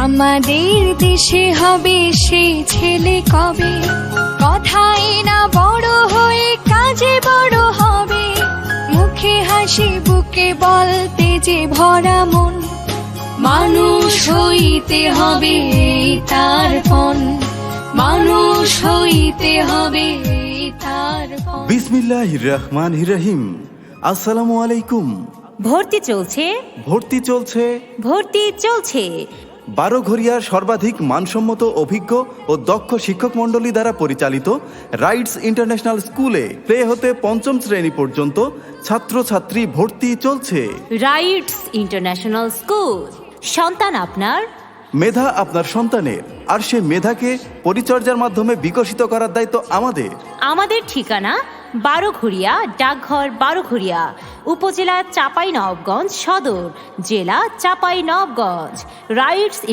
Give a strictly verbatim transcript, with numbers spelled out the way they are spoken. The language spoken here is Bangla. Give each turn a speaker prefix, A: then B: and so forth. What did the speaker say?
A: আমাদের দেশে হবে সেই ছেলে কবে, কথাই না বড় হয়ে কাজে বড় হবে। মুখে হাসি বুকে বলতে যে ভরা মন, মানুষ হইতে হবে এই তার পণ, মানুষ হইতে হবে এই তার পণ।
B: বিসমিল্লাহির রহমানির রহিম। আসসালামু আলাইকুম।
C: ভর্তি চলছে
B: ভর্তি চলছে
C: ভর্তি চলছে
B: বারোঘরিয়ার সর্বাধিক মানসম্মত অভিজ্ঞ ও দক্ষ শিক্ষক মণ্ডলী দ্বারা পরিচালিত রাইটস ইন্টারন্যাশনাল স্কুলে প্লে হতে পঞ্চম শ্রেণী পর্যন্ত ছাত্রছাত্রী ভর্তি চলছে।
C: রাইটস ইন্টারন্যাশনাল স্কুল, সন্তান আপনার,
B: মেধা আপনার সন্তানের, আর সে মেধাকে পরিচর্যার মাধ্যমে বিকশিত করার দায়িত্ব আমাদের।
C: আমাদের ঠিকানা বারোঘরিয়া, ডাকঘর বারোঘরিয়া, উপজেলা চাঁপাইনবাবগঞ্জ সদর, জেলা চাঁপাইনবাবগঞ্জ। রাইটস